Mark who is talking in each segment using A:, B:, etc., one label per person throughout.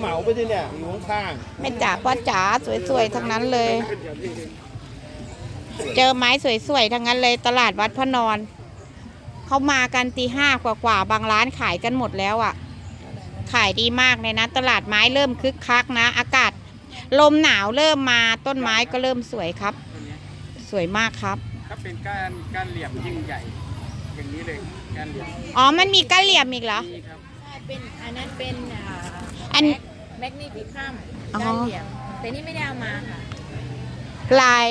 A: เหมาไปที่เนี่ยอยู่ข้าง
B: แม่จ๋าพ่อจ๋าสวยๆทั้งนั้นเลย เจอไม้สวยๆทั้งนั้นเลยตลาดวัดพระนอนเขามากันตี 5กว่าบางร้านขายกันหมดแล้วอ่ะขายดีมากเลยนะตลาดไม้เริ่มคึกคักนะอากาศลมหนาวเริ่มมาต้นไม้ก็เริ่มสวยครับสวยมากครับ
C: ก็เป็นการเหลี่ยมยิ่งใหญ่อย่างนี้เลยการเหลี่ยม
B: อ๋อมันมีก้านเหลี่ยมอีกเหรอ
C: มีครับ
D: เป็นอันนั้นเป็น
B: อัน
D: แมกนีฟิคัมก้านเหลี่ยมแต่นี่ไม่ได้เอามาค่ะ
B: ลาย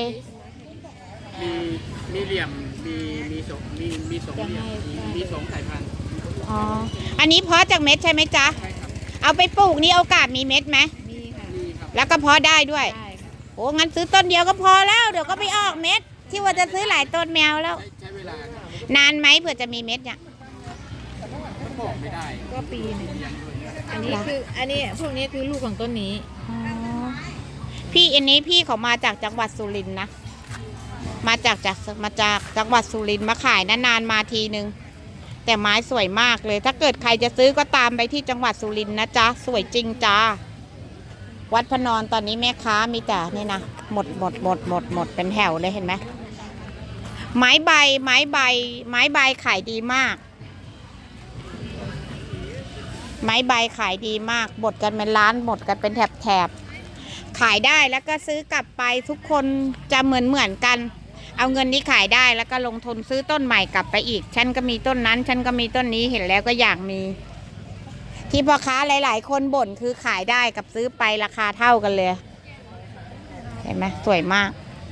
C: มีเหลี่ยมมีสองเหลี่ยมมี2สายพันธุ์
B: อ๋ออันนี้เพาะจากเม็ดใช่ไหมจ๊ะ
C: ใช่ครับ
B: เอาไปปลูกนี่โอกาสมีเม็ดไหม
D: มีค่ะ
C: มีครับ
B: แล้วก็เพาะได้ด้วย
D: ได้ค่ะ
B: โอ้งั้นซื้อต้นเดียวก็พอแล้วเดี๋ยวก็ไปออกเม็ดที่ว่าจะซื้อหลายต้นแมวแล้ว
C: ใช้เวลาน
B: านไหมเผื่อจะมีเม็ดเนี่ย
C: บอกไม่ได้
D: ก็ปีหนึ่งอันนี้พวกนี้คือลูกของต้นนี้
B: พี่อันนี้พี่เขามาจากจังหวัดสุรินทร์นะมาจากจังหวัดสุรินทร์มาขายนานๆมาทีนึงแต่ไม้สวยมากเลยถ้าเกิดใครจะซื้อก็ตามไปที่จังหวัดสุรินทร์นะจ๊ะสวยจริงจ้าวัดพระนอนตอนนี้แม่ค้ามีแต่นี่นะหมดเป็นแถวเลยเห็นไหมไม้ใบขายดีมากไม้ใบขายดีมากหมดกันเป็นล้านหมดกันเป็นแถบขายได้แล้วก็ซื้อกลับไปทุกคนจะเหมือนกันเอาเงินที่ขายได้แล้วก็ลงทุนซื้อต้นใหม่กลับไปอีกฉันก็มีต้นนั้นฉันก็มีต้นนี้เห็นแล้วก็อยากมีที่พ่อค้าหลายๆคนบ่นคือขายได้กับซื้อไปราคาเท่ากันเลยเห็นไหมสวยมาก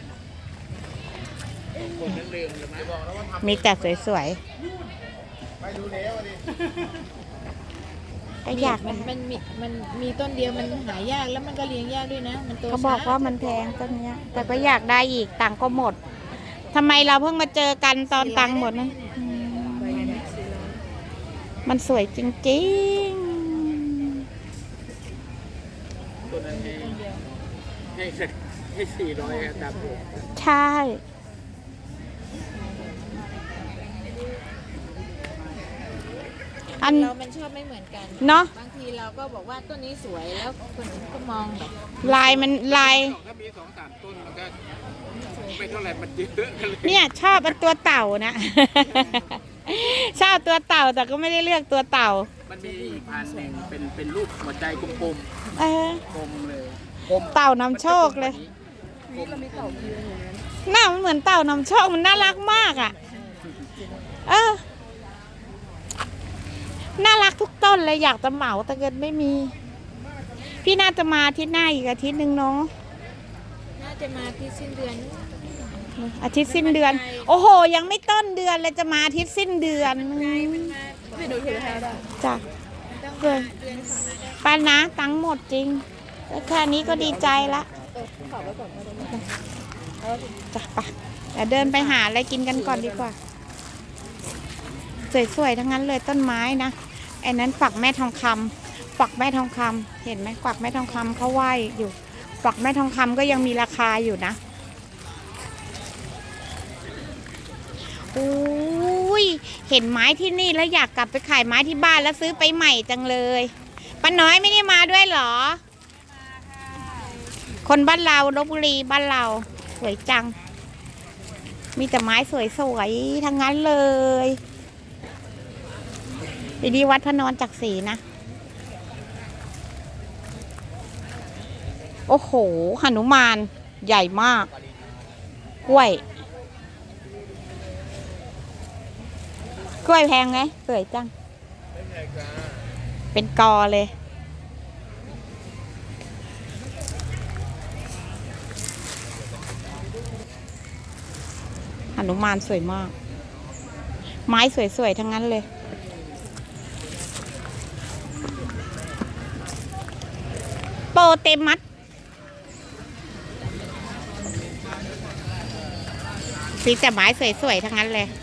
B: มีแต่สวยๆก็อยาก
D: มันมีต้นเดียวมันหายากแล้วมันก็เลี้ยงยากด้วยนะมันโต
B: เขาบอกว่ามันแพงต้นนี้แต่ก็อยากได้อีกตังก็หมดทำไมเราเพิ่งมาเจอกันตอนตังหมดนะมันสวยจริง
C: ๆตัวนั้นให้400ครับ
B: ใช่
D: เรามันชอบไม่เหมือนกัน
B: เนาะ
D: บางทีเราก็บอกว่าต้นนี้สวยแล้วคนอื่นก็มองแบบ
B: ลาย
C: ถ้ามี2-3ต้นมันก็ไม่เท่าไหร่มันเยอะ
B: เนี่ยชอบเป็นตัวเต่านะชอบตัวเต่าแต่ก็ไม่ได้เลือกตัวเต่า
C: มันมีอีกพันหนึ่งเป็นรูปหัวใจกลมกลมเลย
B: เต่านำโชคเลยหน้ามันเหมือนเต่านำโชคมันน่ารักมากอ่ะน่ารักทุกต้นเลยอยากจะเหมาแต่เกิดไม่มีพี่น่าจะมาอาทิตย์หน้าอีกอาทิตย์หนึ่งเนาะ
D: น่าจะมาที่สิ้นเดือน
B: อาทิตย์สิ้นเดือนโอ้โหยังไม่ต้นเดือนเลยจะมาอาทิตย์สิ้นเดือนจ้ะเกินป้านะตังหมดจริงแค่นี้ก็ดีใจละจ้ะป่ะเดี๋ยวเดินไปหาอะไรกินกันก่อนดีกว่าสวยๆทั้งนั้นเลยต้นไม้นะไอ้นั้นฝักแม่ทองคำฝักแม่ทองคำเห็นไหมฝักแม่ทองคำเขาไหวอยู่ฝักแม่ทองคำก็ยังมีราคาอยู่นะอุ้ยเห็นไม้ที่นี่แล้วอยากกลับไปขายไม้ที่บ้านแล้วซื้อไปใหม่จังเลยป้าน้อยไม่ได้มาด้วยเหรอคนบ้านเราลพบุรีบ้านเราสวยจังมีแต่ไม้สวยๆทั้งนั้นเลยดีวัดพระนอนจักรีนะโอ้โหหนุมานใหญ่มากกล้วยแพงไหมสวยจังเป็นกอเลยหนุมานสวยมากไม้สวยๆทั้งนั้นเลยโปเตมัสสีแต่ไม้สวยๆทั้งนั้นเลย